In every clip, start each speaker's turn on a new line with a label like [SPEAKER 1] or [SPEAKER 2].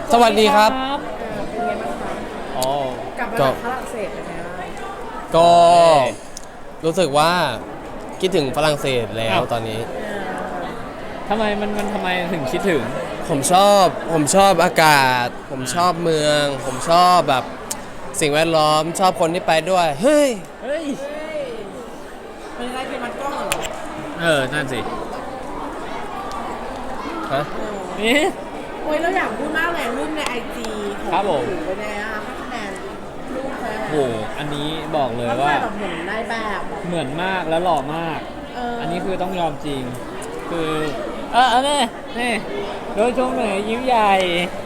[SPEAKER 1] สวัสดีครับ
[SPEAKER 2] เป็นไงบ้างคะ
[SPEAKER 3] อ๋อก
[SPEAKER 2] ลับมาจากฝรั่งเศสเป็นไงบ้าง
[SPEAKER 1] ก็รู้สึกว่าคิดถึงฝรั่งเศสแล้วตอนนี้
[SPEAKER 3] ทำไมมันทำไมถึงคิดถึง
[SPEAKER 1] ผมชอบอากาศ ผมชอบเมือง ผมชอบแบบสิ่งแวดล้อมชอบคนที่ไปด้วย เฮ้ย
[SPEAKER 2] เป็นไรที่มันกล้องเหรอ
[SPEAKER 3] นั่นสิ
[SPEAKER 1] ฮะ
[SPEAKER 3] นี่
[SPEAKER 2] โอ้ยเราอยากพูดมากเลยรูปในไอจี
[SPEAKER 3] ครับผม
[SPEAKER 2] เป็นไงอะให้คะแนนรูปแท้
[SPEAKER 3] โหอันนี้บอกเลย
[SPEAKER 2] ว่า
[SPEAKER 3] ว่า
[SPEAKER 2] แบบเหมือนในแบบแบบ
[SPEAKER 3] เหมือนมากแล้วหล่อมาก อันนี้คือต้องยอมจริง คืออันนี่โดยชมหน่อยยิ้มใหญ่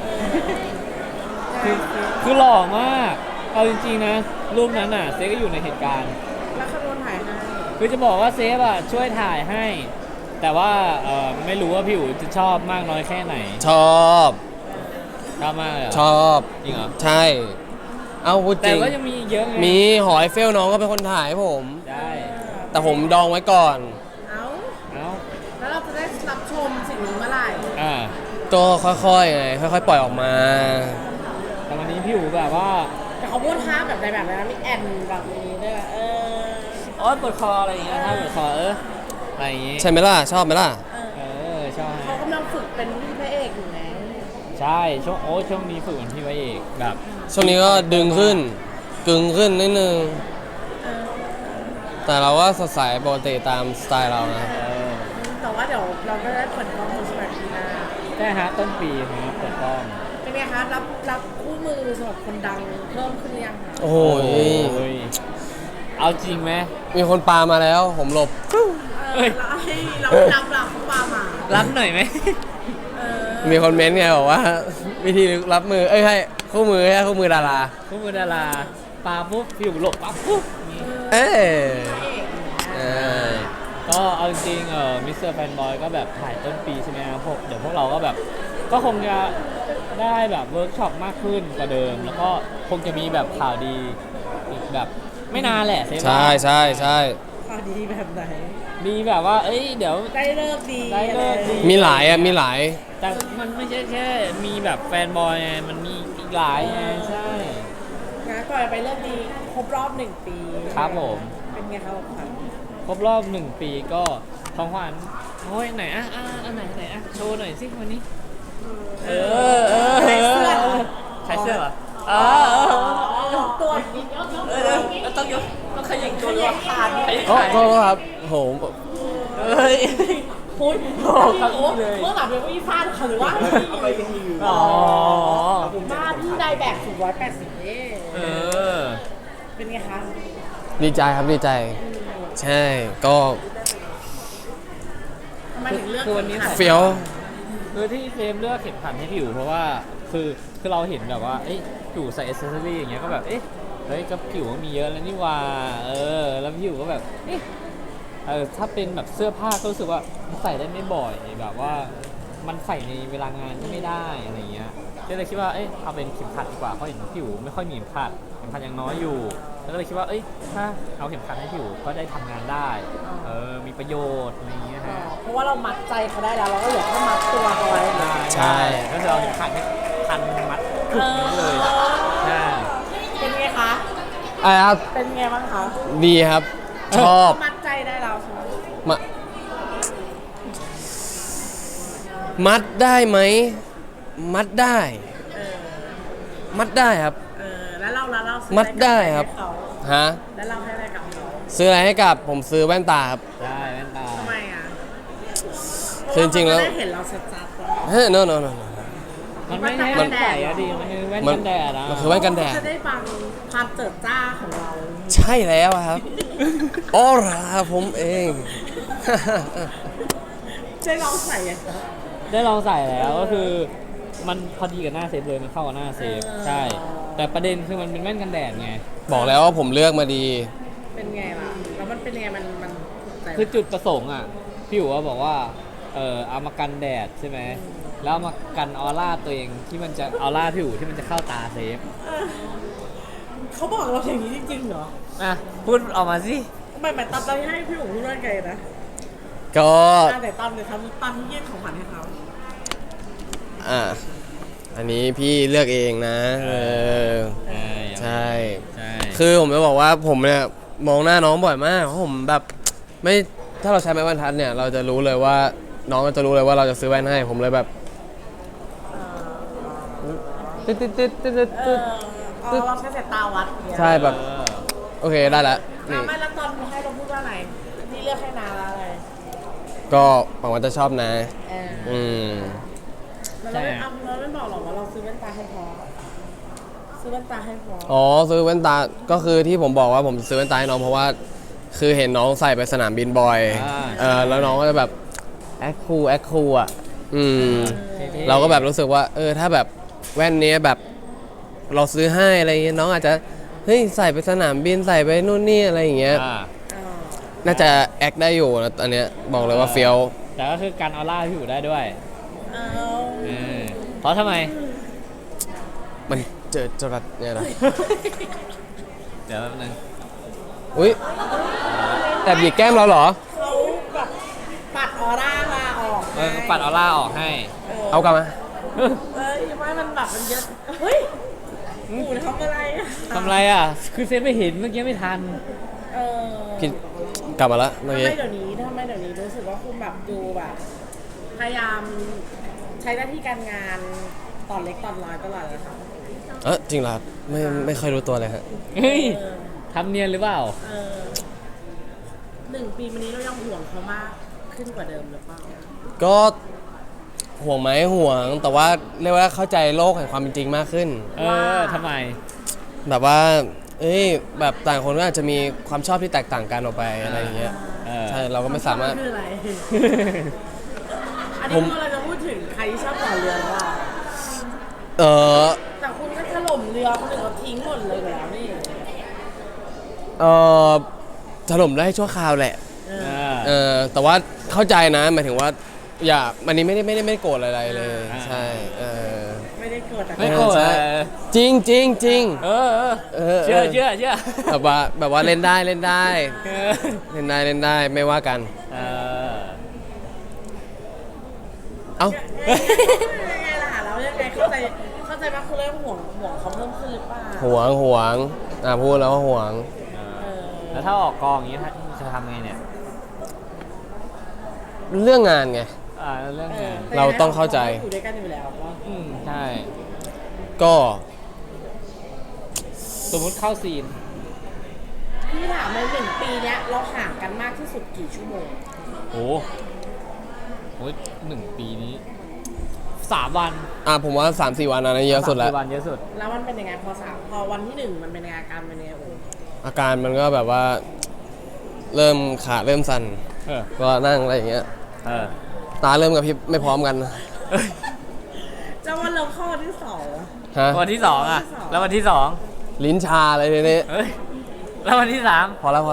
[SPEAKER 3] คือหล่อมากเอาจริงๆนะรูปนั้นน่ะเซฟก็อยู่ในเหตุการณ์
[SPEAKER 2] แล้วเขาโดนถ่ายให้
[SPEAKER 3] คือจะบอกว่าเซฟอ่ะช่วยถ่ายให้ แต่ว่าไม่รู้ว่าพี่อู๋จะชอบมากน้อยแค่ไหน
[SPEAKER 1] ชอบ
[SPEAKER 3] ชอบมากเลยเหรอ
[SPEAKER 1] ชอบ
[SPEAKER 3] จริงเหรอ
[SPEAKER 1] ใช่ เอาพูดจ
[SPEAKER 3] แต่
[SPEAKER 1] ริง
[SPEAKER 3] ว่ายังมีเยอะไง
[SPEAKER 1] มีหอไอเฟลน้องก็เป็นคนถ่ายให้ผม
[SPEAKER 3] ได้
[SPEAKER 1] แต่ผมดองไว้ก่อน
[SPEAKER 2] เอ้า
[SPEAKER 3] เอ้า
[SPEAKER 2] แล้วเราจะได้รับชมสิ่งนี้เมื่อไหร่
[SPEAKER 1] ก็ค่อยๆไงค่อยๆ ปล่อยออกมา
[SPEAKER 3] แต่วันนี้พี่อู๋แบบว่า
[SPEAKER 2] แต่เขาพูดท่าแบบในแบบนั้นมีแอนแบบนี้ด้วยอะ
[SPEAKER 3] โอ๊ยปวดคออะไรอย่างเงี้ยถ้าปวดคออะไรอย่างงี้
[SPEAKER 1] ใช่ไหมล่ะ ชอบไหมล่ะ
[SPEAKER 3] ชอบ
[SPEAKER 2] เขากำลังฝึกเป็นพี่พระเอกอยู่นะ
[SPEAKER 3] ใช่ช่วงนี้ฝึกเหมือนพี่ไว้เอกแบบ
[SPEAKER 1] ช่วงนี้ก็ดึงขึ้น กึ่งขึ้นนิดนึง แต่เราก็สดใสปกติตามสไตล์เรานะ
[SPEAKER 2] แต่ว่าเดี๋ยวเราก็ได้เปิดกล้องใช่ไหมปีหน้า
[SPEAKER 3] ใช่ฮะต้นปีนะครับเปิดกล้อง
[SPEAKER 2] เป็นไงคะรับคู่มือสำหรับคนดังเพิ่มขึ้นหรือยังคะ
[SPEAKER 1] โอ้โห
[SPEAKER 3] ยเอาจริงไหม
[SPEAKER 1] มีคนปามาแล้ว ผมหลบ
[SPEAKER 2] เราให้เรารับเขาปามา
[SPEAKER 3] รับหน่อยไหม
[SPEAKER 1] มีคนเม้นต์ไงบอกว่า วิธีรับมือ เอ้ยให้คู่มือให้คู่มือดารา
[SPEAKER 3] คู่มือดาราปาปุ๊บพี่อู๋หลบปั๊บปุ๊บ
[SPEAKER 1] เอ้ย
[SPEAKER 2] พระเอก
[SPEAKER 1] เออ
[SPEAKER 3] ก็เอาจริงมิสเตอร์แฟนบอยก็แบบถ่ายต้นปีใช่ไหมครับเดี๋ยวพวกเราก็แบบก็คงจะได้แบบเวิร์กช็อปมากขึ้นกว่าเดิม แล้วก็คงจะมีแบบข่าวดีอีกแบบไม่นานแหละเซฟ
[SPEAKER 1] ใช่ใช่ใช่
[SPEAKER 2] ข่าวดีแบบไหน
[SPEAKER 3] มีแบบว่าเดี๋ยว
[SPEAKER 2] ได้เลิกดี
[SPEAKER 3] ได้เลิกดี
[SPEAKER 1] มีหลายอ่ะ มีหลาย
[SPEAKER 3] แต่มันไม่ใช่แค่มีแบบแฟนบอยไงมันมีอีกหลายไงใช่
[SPEAKER 2] งั้นก่อนไปเลิกดีครบรอบ1 ปี
[SPEAKER 3] ครับผม
[SPEAKER 2] เป็นไงครับขวัญ
[SPEAKER 3] ครบรอบ1 ปีก็ของขวัญโอ้ยไหนอันไหนโชว์หน่อยสิวันนี้ใช้เสื้อเหรอ
[SPEAKER 2] ตัวนี้ยก
[SPEAKER 3] ต้องขยิง
[SPEAKER 2] ขยับขาด
[SPEAKER 1] โอ้โหครับโห
[SPEAKER 2] พูด
[SPEAKER 3] โอ้ครับเลย
[SPEAKER 2] เมื่อหลังเป็นวิฟาดค่ะหรือว่าไปเป็นรีวิว
[SPEAKER 3] อ๋อ
[SPEAKER 2] บ้านที่ได้แบบสูง180เอ๊ะเป็นไงคะ
[SPEAKER 1] ดีใจครับดีใจ ใช่ ก็
[SPEAKER 2] ทำไมถึงเลือก
[SPEAKER 3] คือวันนี้
[SPEAKER 1] เฟี้ยว
[SPEAKER 3] คือที่เฟรมเลือกเข็มขัดให้พี่อยู่เพราะว่าคือเราเห็นแบบว่าอยู่ใส่อ c เซสซอรี่อย่างเงี้ยก็แบบเฮ้ยกับผิวก็มีเยอะแล้วนี่ว่าแล้วพี่อยู่ก็แบบถ้าเป็นแบบเสื้อผ้าก็รู้สึกว่ามันใส่ได้ไม่บ่อยแบบว่ามันใส่ในเวลางานก็ไม่ได้อะไรเงี้ยก็เลยคิดว่าเอาเป็นเข็มขัดดีกว่าเพราะเห็นพี่อยู่ไม่ค่อยมีเข็มขัดยังน้อยอยู่แล้วก็เลยคิดว่าถ้าเอาเข็มขัดให้พี่อยู่ก็ได้ทำงานได้มีประโยชน์อะไรเงี้ยฮะ
[SPEAKER 2] เพราะว่าเรามัดใจเขาได้แล้วเราก็เหลือแค่มัดตัวเขาไว้
[SPEAKER 1] ใช่
[SPEAKER 3] ก็คือเอาเข็มขัดให้พันมัดถึงนี้เลยใช่
[SPEAKER 2] เป็นไงคะ
[SPEAKER 1] อะไรครับ
[SPEAKER 2] เป็นไงบ้างคะ
[SPEAKER 1] ดีครับ ชอบ
[SPEAKER 2] มัดใจได้แล้วใช่ไหม
[SPEAKER 1] มามัดได้ไหม มัดได้ มัดได้ครับ
[SPEAKER 2] แล้วเราซื้อ
[SPEAKER 1] มัดได้ครับ
[SPEAKER 2] ให้เขา
[SPEAKER 1] ฮะ
[SPEAKER 2] แล้วเราให้อะไรกับเขา
[SPEAKER 1] ซื้ออะไรให้กับผมซื้อแว่นตาครับ
[SPEAKER 3] ได้แว่นตา
[SPEAKER 2] ทำไมอ่ะ
[SPEAKER 1] คือจริงๆแล้ว
[SPEAKER 2] เพาะาเขาจะได้เห็นเราชัดๆอะ
[SPEAKER 1] เฮ้ย no no no no
[SPEAKER 3] มันไม่ใช่แว่นใส่อะดิมันคือแว่นกันแดดอะ
[SPEAKER 1] มันคือแว่นกันแดด
[SPEAKER 2] เขาจะได้ฟังความเจิดจ้าของเรา
[SPEAKER 1] ใช่แล้วครับ ออร่าผมเอง
[SPEAKER 2] ได้ลองใส่อ่ะ
[SPEAKER 3] ได้ลองใส่แล้วก็คือมันพอดีกับหน้าเซฟเลยมันเข้ากับหน้าเซฟใช่ แต่ประเด็นคือมันเป็นแว่นกันแดดไง
[SPEAKER 1] บอกแล้วว่าผมเลือกมาดี
[SPEAKER 2] เป็นไงล่ะแล้วมันเป็นไงมันถูกใจ
[SPEAKER 3] คือจุดประสงค์อ่ะพี่อู๋บอกว่าเอามากันแดดใช่ไหมแล้วเอามากันออร่าตัวเองที่มันจะออร่าพี่อู๋ที่มันจะเข้าตาเซฟ
[SPEAKER 2] เขาบอกเราอย่างนี้จริงๆเหรอ
[SPEAKER 3] พูดออกมาสิ
[SPEAKER 2] ทำไมตอนที่ให้พี่หมูพูดว่าไงนะ
[SPEAKER 1] ก็
[SPEAKER 2] แต่ตอนเดี๋ยวทำตอนที่ยื่นของขวัญให้เขา
[SPEAKER 1] อ่าอันนี้พี่เลือกเองนะใช่
[SPEAKER 3] ใช่
[SPEAKER 1] คือผมจะบอกว่าผมเนี่ยมองหน้าน้องบ่อยมากเพราะผมแบบไม่ถ้าเราใช้ไม้บรรทัดเนี่ยเราจะรู้เลยว่าน้องก็จะรู้เลยว่าเราจะซื้อแว่นให้ผมเลยแบบตึ๊ดตึ๊ดตึ๊ดตึ๊ดตึ๊ด
[SPEAKER 2] เอ
[SPEAKER 1] ตึ๊ด
[SPEAKER 2] เราใช้สายตาวัดเนี่ย
[SPEAKER 1] ใช่แบบโอเคได้ละนี่
[SPEAKER 2] ไม่แล้วตอนให้เราพูดว่าไหนนี่เลือกให้นาแล้วอะไร
[SPEAKER 1] ก็หวังว่าจะชอบนะ
[SPEAKER 2] เออ
[SPEAKER 1] อืม
[SPEAKER 2] แล้วเราไม่บอกหรอกว่าเราซื้อแว่นตาให้พอซื้อแว่นตาให้พอ
[SPEAKER 1] อ๋อซื้อแว่นตาก็คือที่ผมบอกว่าผมซื้อแว่นตาให้น้องเพราะว่าคือเห็นน้องใส่ไปสนามบินบ่อยแล้วน้องก็จะแบบแอคคูลอ่ะเราก็แบบรู้สึกว่าถ้าแบบแว่นนี้แบบเราซื้อให้อะไรเงี้ยน้องอาจจะเฮ้ยใส่ไปสนามบินใส่ไปนู่นนี่อะไรอย่างเงี้ย
[SPEAKER 3] อ่า
[SPEAKER 1] น่าจะแอคได้อยู่นะอันเนี้ยบอกเลยว่าเฟี้ยว
[SPEAKER 3] แต่ก็คือการออร่าพี่อยู่ได้ด้วย
[SPEAKER 2] เอา
[SPEAKER 3] เออเพราะทำไม
[SPEAKER 1] มันเจอจรัสเนี่ยนะ
[SPEAKER 3] เดี๋ยวแป๊บนึง
[SPEAKER 1] อุ้ยแอบหยิกแก้มเราเหรอ
[SPEAKER 2] เขาแบบปัดออร่ามาออก
[SPEAKER 3] ปัดออร่าออกให้
[SPEAKER 1] เอากลับมา
[SPEAKER 2] เอ้ยไม่มันแบบมันเยอะเฮ้ยหมูทำอะไรอะ
[SPEAKER 3] ทำไรอ่ะ คือเซฟไม่เห็นเมื่อกี้ไม่ทัน
[SPEAKER 2] เออ
[SPEAKER 1] พี่กลับมาแล้วเมื่อ
[SPEAKER 2] ทำ
[SPEAKER 1] กี้
[SPEAKER 2] ไมเดี๋ยวนี้รู้สึกว่าคุณแบบดูแบบ พยายามใช้หน้าที่การงานตอนเล็กตอนน้อยตลอดเลยค่ะ
[SPEAKER 1] จริงเหรอครับไม่ค่อยรู้ตัวเลยฮะ
[SPEAKER 3] เฮ้ยทำเนียนหรือเปล่า
[SPEAKER 2] เออ1 ปีมานี้เรายังห่วงเขามากขึ้นกว่าเดิมหรือเปล่า
[SPEAKER 1] ก็ห่วงไหมห่วง แต่ว่าเรียกว่าเข้าใจโลกแห่งความเป็นจริงมากขึ้น
[SPEAKER 3] ทำไม
[SPEAKER 1] แบบว่าแบบต่างคนก็อาจจะมีความชอบที่แตกต่างกันออกไปอะไรอย่างเงี้ย ใช่เราก็ไม่สามารถ
[SPEAKER 2] คืออะไร อัน
[SPEAKER 1] ผ
[SPEAKER 2] นี้
[SPEAKER 1] ม
[SPEAKER 2] เราจะพูดถึงใครที่ชอบต่อเรือหรือเปล่า
[SPEAKER 1] เออ
[SPEAKER 2] แต่คุณก็ถล่มเรือคนอื่นเขาทิ้งหมดเลยแล้วนี่
[SPEAKER 1] เออถล่มได้ชั่วคราวแหละ
[SPEAKER 2] เออ
[SPEAKER 1] แต่ว่าเข้าใจนะหมายถึงว่าอย่ามันนี้ไม่โกรธอะไรเลย ใช่
[SPEAKER 2] ไม่ได้โกรธแต่
[SPEAKER 3] ไม่โกรธ
[SPEAKER 1] ใช่จริงจริงจริง
[SPEAKER 3] เชื่อ
[SPEAKER 1] แบบว่าเล่นได้เล่นได้
[SPEAKER 3] เออ
[SPEAKER 1] เล่นได้ไม่ว่ากัน
[SPEAKER 3] เออ
[SPEAKER 1] เอ้า
[SPEAKER 2] ยังไงล่ะแล้วยังไงเข้าใจว่าคุณเริ่มห่วงเขาเพิ่มขึ้นหรือเปล่า
[SPEAKER 1] ห่วงพูดแล้วว่าห่วง
[SPEAKER 3] แล้วถ้าออกกองอย่างนี้จะทำไงเนี่ย
[SPEAKER 1] เรื่องงานไง
[SPEAKER 3] เรื่องงาน
[SPEAKER 1] เราต้องเข้าใจ
[SPEAKER 2] อยู่ด้วยกันอยู่แล้วว่า
[SPEAKER 3] ใช่
[SPEAKER 1] ก็
[SPEAKER 3] สมมุติเข้าซีน
[SPEAKER 2] พี่ถามเลย1 ปีเนี้ยเราห่างกันมากที่สุดกี่ชั่วโมง
[SPEAKER 3] โอ้โห1 ปีนี้3 วัน
[SPEAKER 1] ผมว่า 3-4 วันนะเยอะสุดแล้ว
[SPEAKER 3] 3-4 วันเยอะสุด
[SPEAKER 2] แล้วมันเป็นยังไงพอวันที่ 1มันเป็นยังไงอาการเป็นยังไงโอ้
[SPEAKER 1] อาการมันก็แบบว่าเริ่มขาเริ่มสั่น
[SPEAKER 3] เออ
[SPEAKER 1] ก็นั่งอะไรอย่างเงี้ย ตาเริ่มกระพริบไม่พร้อมกัน
[SPEAKER 2] จะวันเราเข้าวันที่2
[SPEAKER 1] ฮะ
[SPEAKER 3] วันที่2อ่ะ แล้ววันที่
[SPEAKER 1] ลิ้นชาอะไรทีนี้
[SPEAKER 3] 2เอ้ย แล้ววันที่ 3
[SPEAKER 1] พอแล้ว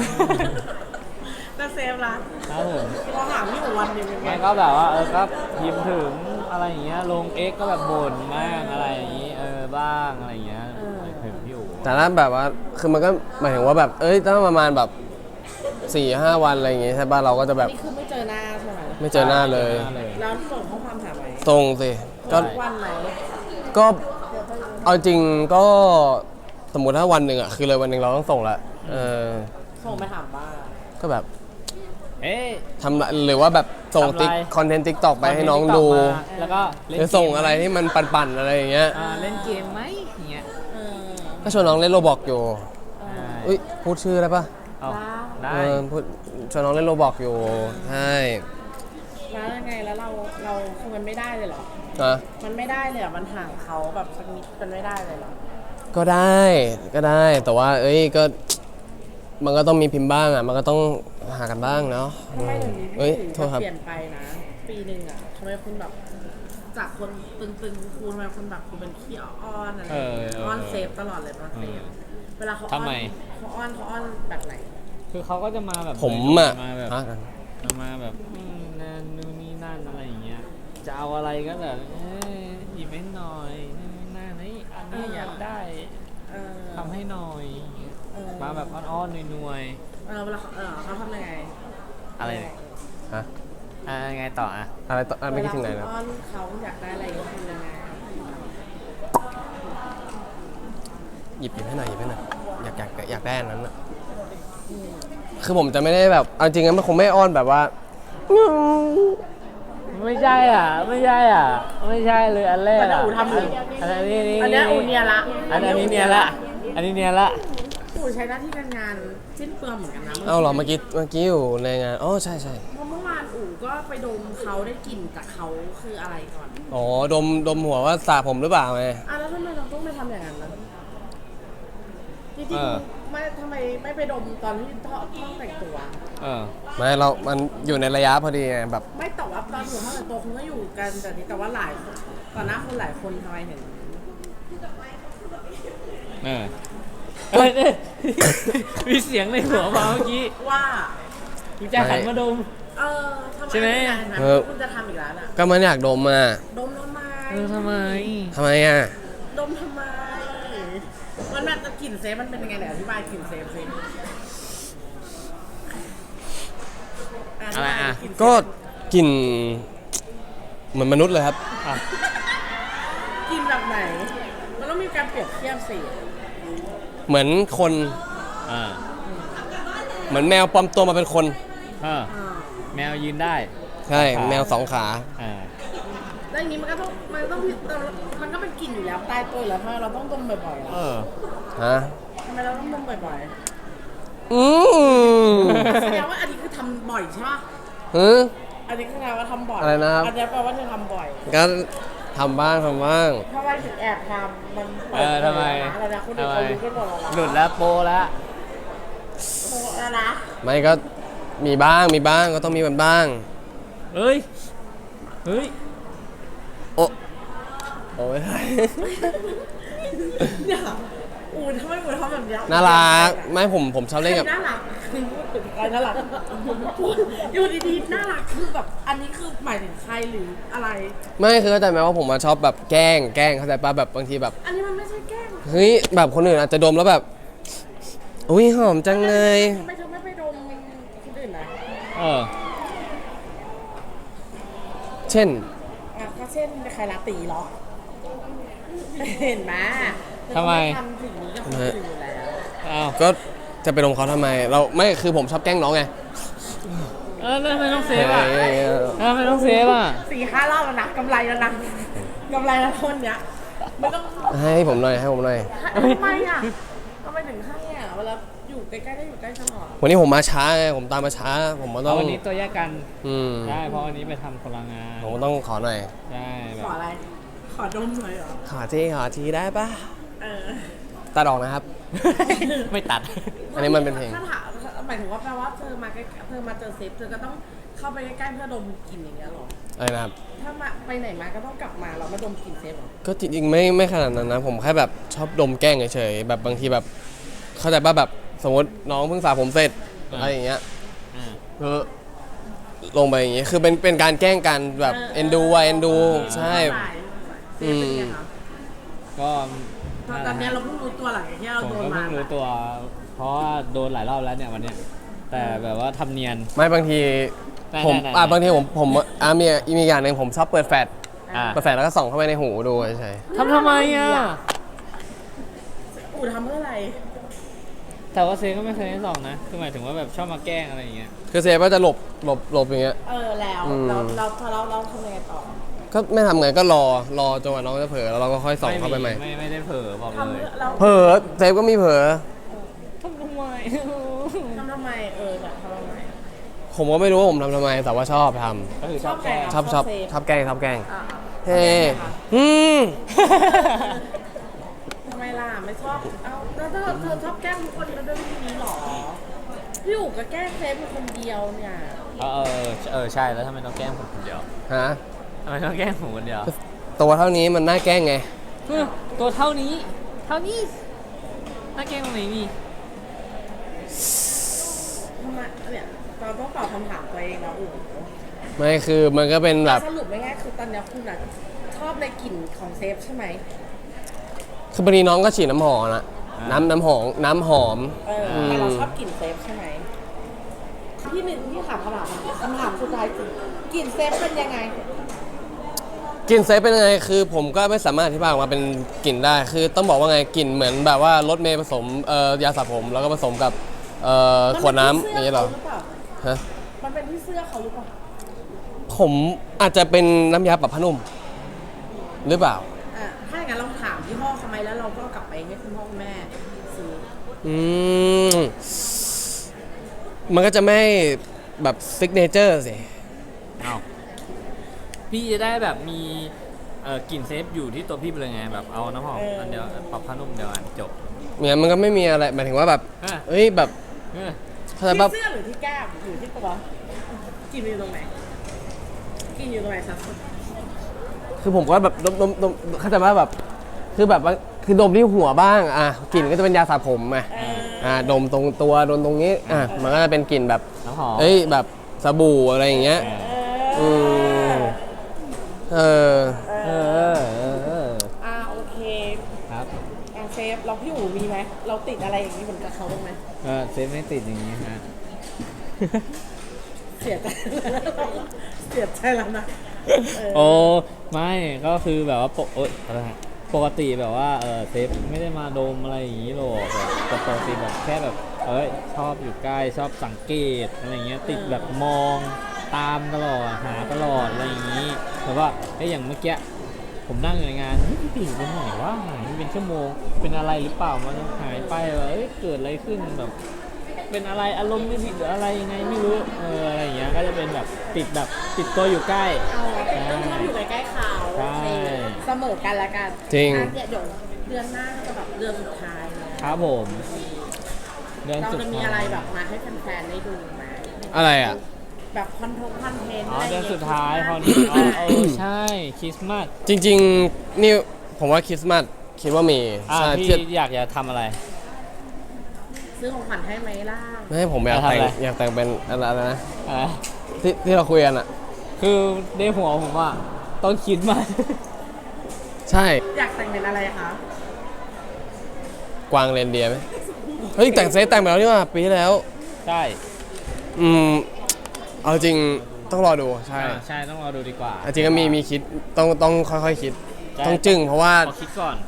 [SPEAKER 2] แต่เซฟละ
[SPEAKER 3] ครับผม
[SPEAKER 2] เราห่างพี่อยู่วันเดียวเป็นไง
[SPEAKER 3] ไม่ก็แบบว่าก็พิมพ์ถึงอะไรอย่างเงี้ย ลง X ก็แบบบ่นมากอะไรอย่างงี้ บ้างอะไรอย่างเงี้ยถึงพี่อู๋
[SPEAKER 1] แต่ถ้าแบบว่าคือมันก็หมายถึงว่าแบบถ้าประมาณแบบ 4-5 วันอะไรอย่างงี้ใช่ป่ะเราก็จะแบบ
[SPEAKER 2] นี่คือไม่เจอหน้าใช่ไหม
[SPEAKER 1] ไม่เจอหน้าเลย
[SPEAKER 2] แล้วส่งข้อความถามไหม
[SPEAKER 1] ตรงสิก็
[SPEAKER 2] ทุกวันไหม
[SPEAKER 1] ก็เอาจริงก็สมมุติถ้าวันหนึ่งอ่ะคือเลยวันหนึ่งเราต้องส่งละ
[SPEAKER 2] ส่งไปถามว่า
[SPEAKER 1] ก็แบบ
[SPEAKER 3] เอ๊ะ
[SPEAKER 1] ทำหรือว่าแบบส่ง
[SPEAKER 3] ทำอะไร
[SPEAKER 1] คอนเทนต์ติ๊กตอกไปให้น้องดู
[SPEAKER 3] แล้วก็เล่น
[SPEAKER 1] หรือส่งอะไรที่มันปั่นๆอะไรอย่างเงี้ย
[SPEAKER 3] เล่นเกมไหมอย่างเงี้ย
[SPEAKER 2] เออ
[SPEAKER 1] ก็ชวนน้องเล่นโรบอกอยู่
[SPEAKER 2] เออ
[SPEAKER 1] อุ้ยพูดชื่อได้ปะ
[SPEAKER 3] เอาได้
[SPEAKER 1] พูดชวนน้องเล่นโรบอกอยู่ใช่
[SPEAKER 2] แล้วยังไงแล้วเราคือมันไม่ได้เลยเหรอ
[SPEAKER 1] นะ
[SPEAKER 2] มันไม่ได้เลยเหรอมันห่างเขาแบบสักนิดมันไม่ได้เลยเหรอ
[SPEAKER 1] ก็ได้แต่ว่าก็มันก็ต้องมีพิมพ์บ้างอ่ะมันก็ต้องหากันบ้างเนาะ
[SPEAKER 2] ทำไมเดี๋ยวนี้พี่
[SPEAKER 1] โท
[SPEAKER 2] ถึ
[SPEAKER 1] ษ
[SPEAKER 2] ง
[SPEAKER 1] ครับ
[SPEAKER 2] เปลี่ยนไปนะ ปีหนึ่งอ่ะทำไมคุณแบบจากคนตึงๆคูณทำไมคุณแบบคุณเป็นขี้อ้อนอะไรอ้อนเซฟตลอดเลยตอนเซฟเวลาเขาอ้อนเขาอ้อนแบบไหน
[SPEAKER 3] คือเขาก็จะมาแบบ
[SPEAKER 1] ผมอ่ะ
[SPEAKER 3] มาแบบ
[SPEAKER 1] ฮะ
[SPEAKER 3] มาแบบนั่นนู่นนี่นั่นอะไรอย่างเงี้ย จะเอาอะไรก็แบบหยิบให้หน่อยนั่นนี่นั่นไอ้อันนี้อยากได้
[SPEAKER 2] เออ
[SPEAKER 3] ทำให้หน่อยอย่างเงี้ย
[SPEAKER 2] เออ
[SPEAKER 3] มาแบบอ้อนๆหน่วย
[SPEAKER 2] เวลาเขาทำยังไง
[SPEAKER 3] ๆอะไรเนี่ย
[SPEAKER 1] ฮะ
[SPEAKER 3] ยังไงต่ออ่ะ
[SPEAKER 1] อะไรต่อไม่คิดถึงไหน
[SPEAKER 2] เว
[SPEAKER 1] นะ
[SPEAKER 2] ลาคุณอ้อนเขาอยากได้อะไรก็ทำยังไง
[SPEAKER 1] หยิบให้หน่อยอยากได้อันนั้นอะคือผมจะไม่ได้แบบเอาจริงๆมันคงไม่อ้อนแบบว่า
[SPEAKER 3] ไม่ใช่อ่ะ ไม่ใช่เลยอันแรก
[SPEAKER 2] แต่
[SPEAKER 3] อ่ะ
[SPEAKER 2] อูทำอยู่
[SPEAKER 3] อันนี้
[SPEAKER 2] อันเนี้ยอูเนียละ
[SPEAKER 3] อันนี้เนียละอันนี้เนียละ
[SPEAKER 2] อูใช้หน้าที่การงานสิ้นเปลืองเหมือนกันนะ
[SPEAKER 1] เอาเหรอเมื่อกี้อยู่ในงานอ๋อใช่
[SPEAKER 2] เพราะเมื่อวานอูก็ไปดมเขาได้กลิ่นจากเขาคืออะไรก่อน
[SPEAKER 1] อ๋อดมหัวว่าสระผมหรือเปล่าไง
[SPEAKER 2] แล้วทำไมเราต้องไปทำอย่างนั้นล่ะจริงๆไม่ทำไมไม่ไปดมตอนที่ต้องแต่งตัว
[SPEAKER 1] ไม่มันอยู่ในระยะพอดีไงแบบ
[SPEAKER 2] ไม่แต่ว่าตอนอยู่ห้องแต่งตัวคุณก็อยู่กันแต่นี้แต่ว่าหลายคนต่อหน้าคนหลายคนทำไมเห็น
[SPEAKER 3] มีเสียงในหัวมาเมื่อกี้
[SPEAKER 2] ว่า
[SPEAKER 3] คุณจะหันมาดม
[SPEAKER 2] ทำไม
[SPEAKER 3] ใช่ไหม
[SPEAKER 2] คุณจะทำอีกแล้วน่ะ
[SPEAKER 1] ก็มันอยากดมมา
[SPEAKER 2] ดมทำไม
[SPEAKER 3] ทำไม
[SPEAKER 1] ทำไมอ่ะ
[SPEAKER 2] ดมทำไมมันแบบกลิ่นเซฟมันเป็นยังไงเนี่ยอธิบายกลิ่นเซฟสิ
[SPEAKER 3] อะไรอ่ะ
[SPEAKER 1] ก็กลิ่นเหมือนมนุษย์เลยครับ
[SPEAKER 2] กลิ่นแบบไหน มันต้องมีการเปรียบเทียบสิ
[SPEAKER 1] เหมือนคนเหมือนแมวปลอมตัวมาเป็นคน
[SPEAKER 3] แมวยืนได้
[SPEAKER 1] ใช่แมวสองขา
[SPEAKER 2] แล้วอย่างนี้มันก็มันก็เป็นกลิ่นอยู่แล้วตายตัวอยู่แล้วทำไมเราต้องดมบ่อยๆล่ะ
[SPEAKER 1] ฮะ
[SPEAKER 2] ทำไมเราต้องดมบ่อย
[SPEAKER 1] อืม
[SPEAKER 2] ๆแสดงว่าอันนี้คือทำบ่อยใช่ไหม
[SPEAKER 1] ฮึ
[SPEAKER 2] อันนี้คือแปลว่าทำบ่อย
[SPEAKER 1] อะไรนะครับ
[SPEAKER 2] อันนี้แปลว่าเธอทำบ่อย
[SPEAKER 1] ก็ทำบ้าง
[SPEAKER 2] ทำไมถึงแอบทำมันเปิด
[SPEAKER 3] ทำไม
[SPEAKER 2] อะไรนะคนอื่นเขารู้กันหมดแล้ว
[SPEAKER 3] หลุดแล้วโปแล้ว
[SPEAKER 2] โอ้แล้วนะ
[SPEAKER 1] ไม่ก็มีบ้างก็ต้องมีมันบ้าง
[SPEAKER 3] เฮ้ย
[SPEAKER 1] โอ้ไม่ใช่
[SPEAKER 2] เนี่ยทำไมอูทำแบบนี้
[SPEAKER 1] น่ารักไม่ผมชอบเล่นกับ
[SPEAKER 2] น่ารักคืออะไรน่ารักอยู่ดีๆน่ารักคือแบบอันนี้คือหมายถึงใครหรืออะไร
[SPEAKER 1] ไม่คือเข้าใจไหมว่าผมมาชอบแบบแกล้งเข้าใจป่ะแบบบางทีแบบ
[SPEAKER 2] อันนี้มันไม่ใช่แกล้ง
[SPEAKER 1] เฮ้ยแบบคนอื่นอาจจะดมแล้วแบบอุ้ยหอมจังเลย
[SPEAKER 2] ทำไมเธอไม่ไปดมคนอื่นนะ
[SPEAKER 1] เช่น
[SPEAKER 2] ก็เช่นใครลาตีเหรอเห็นไหม
[SPEAKER 3] ทำไม
[SPEAKER 2] ทำสิ่งนี้กับคนอื่นอยู่แล้ว
[SPEAKER 1] ก็จะไปดมเขาทำไมเราไม่คือผมชอบแกล้งน้องไง
[SPEAKER 3] แล้วทำไมต้องเซฟอ่ะทำไมต้องเซฟอ่ะ
[SPEAKER 2] 4-5 รอบแล้วนะกำไรแล้วนะกำไรแล้วคนเนี้ยไม่ต้อง
[SPEAKER 1] ให้ผมหน่อย
[SPEAKER 2] ทำไมอ่ะทำไมถึงให้อ่ะเวลาอยู่ใกล้ๆก็อยู่ใกล้ตลอด
[SPEAKER 1] วันนี้ผมมาช้าไงผมตามมาช้าผมก็ต้อง
[SPEAKER 3] วันนี้ตัวแยกกัน
[SPEAKER 1] ใช่
[SPEAKER 3] ใช่ เพราะวันนี้ไปทำคนละงาน
[SPEAKER 1] ผมก็ต้องขอหน่อย
[SPEAKER 3] ใช่แบ
[SPEAKER 2] ขอบ อะไร ขอดมหน่อยเหรอ
[SPEAKER 1] ขอทีได้ปะ
[SPEAKER 2] เออ
[SPEAKER 1] ตัดออกนะครับ
[SPEAKER 3] ไม่ตัด
[SPEAKER 1] อันนี้มันเป็นเพลง
[SPEAKER 2] ถ้าถามหมายถึงว่าแปลว่าเธอมาใกล้เธอมาเจอเซฟเธอก็ต้องเข้าไปใกล้ๆเพื่อดมกลิ่นอย่างเงี้ยหรอ
[SPEAKER 1] อะไรนะครับ
[SPEAKER 2] ถ้ามาไปไหนมาก็ต้องกลับมาเรามาดมกลิ่นเซฟหรอ
[SPEAKER 1] ก็จริงๆไม่ขนาดนั้นนะผมแค่แบบชอบดมแกล้งเฉยๆแบบบางทีแบบ เข้าใจป่ะแบบสมมติน้องเพิ่งสระผมเสร็จอะไรอย่างเงี้ยคือลงไปอย่างเงี้ยคือเป็นการแกล้งกันแบบเอ็นดูใช่
[SPEAKER 2] เซฟเป็นไงคะ
[SPEAKER 3] ก็
[SPEAKER 2] ตอนนี้เราเพิ่งรู้ตัวหลังจากที่เรา
[SPEAKER 3] ผม
[SPEAKER 2] โดน
[SPEAKER 3] ก็
[SPEAKER 2] มา
[SPEAKER 3] เพิ่งรู้ตัว เพราะว่าโดนหลายรอบแล้วเนี่ยวันเนี้ยแต่แบบว่าทำเนียน
[SPEAKER 1] ไม่บางที
[SPEAKER 3] ได้
[SPEAKER 1] ผม
[SPEAKER 3] ได้
[SPEAKER 1] บางทีผมมีอย่างหนึ่งผมชอบเปิดแฟลช
[SPEAKER 3] อ่า
[SPEAKER 1] เปิดแฟลชแล้วก็ส่องเข้าไปในหูดูเฉย
[SPEAKER 3] ทำไมอ่ะ
[SPEAKER 2] อู๋ทำเพื่ออะไร
[SPEAKER 3] แต่ว่าเซฟก็ไม่เคยให้ส่องนะ คือหมายถึงว่าแบบชอบมาแกล้งอะไรอย่างเงี้ย
[SPEAKER 1] คือเซฟก็จะหลบอย่างเงี้ย
[SPEAKER 2] แล้ว
[SPEAKER 1] อืม
[SPEAKER 2] เราพอเราทำยังไงต่อ
[SPEAKER 1] ก็ไม่ทำไงก็รอจนกว่าน้องจะเผลอแล้วเราก็ค่อยส่องเข้าไปใหม่
[SPEAKER 3] ไม่ได้เผลอบอก
[SPEAKER 2] ทำ
[SPEAKER 3] เลย
[SPEAKER 2] เรา
[SPEAKER 1] เผลอเซฟก็มีเผลอ
[SPEAKER 3] ทำทำไม
[SPEAKER 2] ทำทำไมแบบทำทำไม
[SPEAKER 1] ผมก็ไม่รู้ว่าผมทำไมแต่ว่าชอบท
[SPEAKER 3] ก็คือชอบแก
[SPEAKER 2] ช
[SPEAKER 3] ล้ง
[SPEAKER 2] อบ
[SPEAKER 1] ำชอบแกล้ง
[SPEAKER 2] อ่า
[SPEAKER 1] เฮ้ม
[SPEAKER 2] ทำไมล่ะไม่ชอบเอาแล้วถ้าเธอชอบแกล้งทุกคนแล้วด้วยวิธีนี้หรอพี่อู๋ก็แกล้งเซฟเป็นคนเดียวเนี่ย
[SPEAKER 3] ใช่แล้วทำไมต้องแกล้งผมคนเดียว
[SPEAKER 1] ฮะ
[SPEAKER 3] ทำไมต้องแกล้งผมคนเดียว
[SPEAKER 1] ตัวเท่านี้มันน่าแกล้งไง
[SPEAKER 3] ตัวเท่านี้น่าแกล้งตรงไหนมี
[SPEAKER 2] ทำไมเนี่ยเราต้องตอบคำถามตัวเองนะอู๋
[SPEAKER 1] ไม่คือมันก็เป็นแบบ
[SPEAKER 2] สรุปง่ายๆคือตอนนี้คุณอะชอบในกลิ่นของเซฟใช่ไหม
[SPEAKER 1] คือบางทีน้องก็ฉีดน้ำหอมนะน้ำหอม
[SPEAKER 2] แต่เราชอบกลิ่นเซฟใช่ไหมที่หนึ่งที่ถามคำถามสุดท้ายคือกลิ่นเซฟเป็นยังไง
[SPEAKER 1] กลิ่นเซฟเป็นยังไงคือผมก็ไม่สามารถอธิบายออกมาเป็นกลิ่นได้ คือต้องบอกว่าไงกลิ่นเหมือนแบบว่ารถเมย์ผสมยาสระผมแล้วก็ผสมกับขวดน้ำอย่างเงี้ยเหรอฮะ
[SPEAKER 2] มันเป็นที่เสื้อเขาหรือเปล่า
[SPEAKER 1] ผมอาจจะเป็นน้ำยาปรับผ้านุ่มหรือเปล่า
[SPEAKER 2] ถ้าอย่างนั้นเราถามยี่ห้อเขาไหมแล้วเราก็กลับไปให้คุณพ่อคุณแม่ซื้อ
[SPEAKER 1] มมันก็จะไม่แบบซิกเนเจอร์สิ
[SPEAKER 3] เอาพี่จะได้แบบมีกลิ่นเซฟอยู่ที่ตัวพี่ไปเลยไงแบบเอาน้ำหอมอันเดียวปรับผ้านุ่มเดียวกันจบ
[SPEAKER 1] เนี่ยมันก็ไม่มีอะไรหมายถึงว่าแบบ
[SPEAKER 3] อ่ะ
[SPEAKER 1] เอ้ยแบบ
[SPEAKER 3] เออ
[SPEAKER 1] เข้าใจ
[SPEAKER 2] ที่
[SPEAKER 1] ปะ
[SPEAKER 2] เสื้อหรือที่แก้มหรือที่ตัวกินอยู่ตรงไหนกินอยู่ตรงไหนครับ
[SPEAKER 1] คือผมก็แบบดมเข้าใจว่าแบบคือแบบว่าคือดมที่หัวบ้างกลิ่นก็จะเป็นยาสระผมดมตรงตัวโดนตรงนี้มันก็จะเป็นกลิ่นแบบ
[SPEAKER 3] น้ำหอม
[SPEAKER 1] เอ้ยแบบสบู่อะไรอย่างเงี้ยมเออ
[SPEAKER 2] โอเค
[SPEAKER 3] ครับ
[SPEAKER 2] เซฟเราพี่อู๋มีไหมเราติดอะไรอย่างนี้เหมือนกับเขาบ้างไหม
[SPEAKER 3] เซฟไม่ติดอย่างนี้ฮะ
[SPEAKER 2] เสียใจเสียใจแล้วนะ
[SPEAKER 3] โอ้ไม่ก็คือแบบว่าอะไรฮะปกติแบบว่าเซฟไม่ได้มาดมอะไรอย่างนี้หรอกแบบแต่ปกติแบบแค่แบบชอบอยู่ใกล้ชอบสังเกตอะไรอย่างเงี้ยติดแบบมองตามตลอดหาตลอดอะไรอย่างนี้แต่ว่าอย่างเมื่อกี้ผมนั่งอยู่ในงานพี่ติ๋วเป็นไหนวะหายเป็นชั่วโมงเป็นอะไรหรือเปล่ามันหายไปว่าเกิดอะไรขึ้นแบบเป็นอะไรอารมณ์ไม่ผิดหรืออะไรยังไงไม่รู้อะไรอย่างเงี้ยก็จะเป็นแบบติดตัวอยู่ใกล้
[SPEAKER 2] เป็นเรื่องที่อยู่ใกล้ๆเขา
[SPEAKER 3] ใช่
[SPEAKER 2] เสมอกันละกัน
[SPEAKER 1] จริง
[SPEAKER 2] เนี่ยเดี๋ยวเดือนหน้าก็จะแบบเดือนสุดท้ายแล้ว
[SPEAKER 3] ครับผมเดือน
[SPEAKER 2] เรา
[SPEAKER 3] สุด
[SPEAKER 2] จะมีอะไรแบบมาให้แฟนๆได้ดูไหม
[SPEAKER 1] อะไรอ่ะ
[SPEAKER 2] แบบคอนเทนต์อะไร
[SPEAKER 3] เดือนสุดท้ายพอ
[SPEAKER 2] นี้
[SPEAKER 3] นี้ใช่คริสต์มาส
[SPEAKER 1] จริงๆนี่ผมว่าคริสต์มาสคิดว่ามีใช่
[SPEAKER 3] พี่
[SPEAKER 1] ที่
[SPEAKER 3] อยากจะทำอะไร
[SPEAKER 2] ซื้อของขวัญให้ไหมล่ะ
[SPEAKER 1] ไม่ให้ผมอยากแต่ง
[SPEAKER 3] ทำอะไร
[SPEAKER 1] อยากแต่งเป็นอะไรนะ
[SPEAKER 3] อ่ะ
[SPEAKER 1] ที่เราคุยกันอ่ะ
[SPEAKER 3] คือในหัวผมว่าต้องคิดมา
[SPEAKER 1] ใช่
[SPEAKER 2] อยากแต่งเป็นอะไรคะ
[SPEAKER 1] กวางเรนเดียร์ไหมเฮ้ยแต่งเซตแต่งไปแล้วนี่หว่าปีที่แล้ว
[SPEAKER 3] ใช่
[SPEAKER 1] อืมเอาจริงต้องรอดูใช่
[SPEAKER 3] ใช่ต้องรอดูดีกว่า
[SPEAKER 1] เอาจริงก็มีคิดต้องค่อยๆคิด
[SPEAKER 3] ใช่
[SPEAKER 1] ต้องจึงเพราะว่า
[SPEAKER 3] ขอคิดก่อน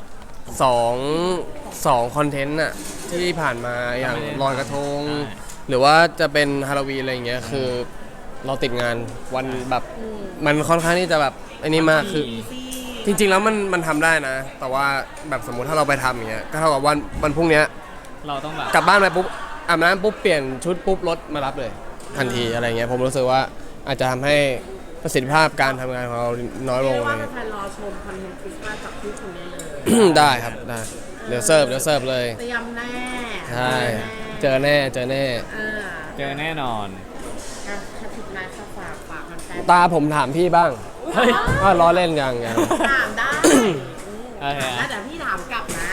[SPEAKER 1] 2คอนเทนต์อะที่ผ่านมาอย่าง
[SPEAKER 3] ไม่ได้
[SPEAKER 1] ลอยกระทง
[SPEAKER 3] ใช่
[SPEAKER 1] หรือว่าจะเป็นฮาโลวีนอะไรอย่างเงี้ยคือเราติดงานวันแบบมันค่อนข้างที่จะแบบไอ้นี่มากคือ จริงๆแล้วมันทำได้นะ แต่ว่าแบบสมมุติถ้าเราไปทำอย่างเงี้ยก็เท่ากับวันพรุ่งเนี้ย
[SPEAKER 3] เราต้องแบบ
[SPEAKER 1] กลับบ้านไปปุ๊บอาบน้ำปุ๊บเปลี่ยนชุดปุ๊บรถมารับเลยทันทีอะไรเงี้ยผมรู้สึกว่าอาจจะทำให้ประสิทธิภาพการทำงานของเราน้อยล
[SPEAKER 2] เรีย
[SPEAKER 1] ง
[SPEAKER 2] ก
[SPEAKER 1] อะไร
[SPEAKER 2] ว่า
[SPEAKER 1] เงี้ย
[SPEAKER 2] แฟนๆรอชมคอนเทนต์คริสต์มาสจากที่คุณได้เลย
[SPEAKER 1] ได้ครับได้เดี๋ยวเสิร์ฟเลย
[SPEAKER 2] เตรียมแน่
[SPEAKER 1] ใช่เจอแน่
[SPEAKER 2] อ่า
[SPEAKER 3] เจอแน่นอน
[SPEAKER 2] ถ้าสุดท้ายฝากแฟน
[SPEAKER 1] ตาผมถามพี่บ้าง
[SPEAKER 3] เฮ้ย
[SPEAKER 1] ว่าล้อเล่นยัง
[SPEAKER 2] ๆถามได้
[SPEAKER 3] โอเค
[SPEAKER 2] แล้วเดี๋ยวพี่ถามกลับนะ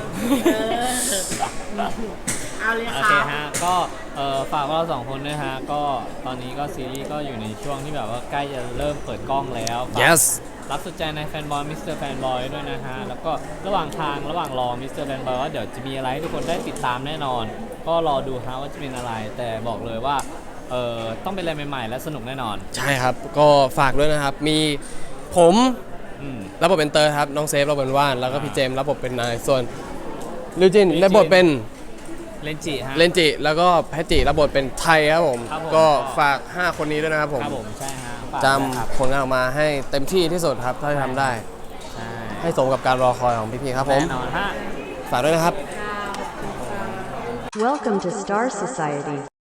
[SPEAKER 2] เอาเลย
[SPEAKER 3] โอ
[SPEAKER 2] ค
[SPEAKER 3] เค
[SPEAKER 2] รับ
[SPEAKER 3] ฮะก็ฝากพวกเราสองคนด้วยฮะก็ตอนนี้ก็ซีรีส์ก็อยู่ในช่วงที่แบบว่าใกล้จะเริ่มเปิดกล้องแล้วฝาก
[SPEAKER 1] yes
[SPEAKER 3] รับสุดใจในแฟนบอยมิสเตอร์แฟนบอยด้วยนะฮะแล้วก็ระหว่างรอมิสเตอร์แฟนบอยว่าเดี๋ยวจะมีอะไรให้ทุกคนได้ติดตามแน่นอน ก็รอดูฮะว่าจะเป็นอะไร แต่บอกเลยว่าต้องเป็นอะไรใหม่ๆ และสนุกแน่นอน
[SPEAKER 1] ใช่ครับก็ฝากด้วยนะครับ มีผม
[SPEAKER 3] อืม
[SPEAKER 1] รับบทเป็นเตอร์ครับน้องเซฟรับบทเป็นว่านแล้วก็พี่เจมส์รับบทเป็นนายส่วนลิวจินได้บทเป็น
[SPEAKER 3] เลนจิฮะ
[SPEAKER 1] เลนจิแล้วก็แพทจิรับบทเป็นไทยครับผม
[SPEAKER 3] ครับผม
[SPEAKER 1] ก็ฝาก 5 คนนี้ด้วยนะครับผม
[SPEAKER 3] ครับผมใช่ฮะฝาก
[SPEAKER 1] จ
[SPEAKER 3] ด้วยครับ
[SPEAKER 1] ำผลงานออกมาให้เต็มที่ที่สุดครับเท่าที่ทำได้
[SPEAKER 3] ใช่
[SPEAKER 1] ให้สมกับการรอคอยของพี่ๆครับผม
[SPEAKER 3] แน่นอนฮะ
[SPEAKER 1] ฝากด้วยนะครับ
[SPEAKER 2] ค่ะ
[SPEAKER 4] Welcome to Star Society.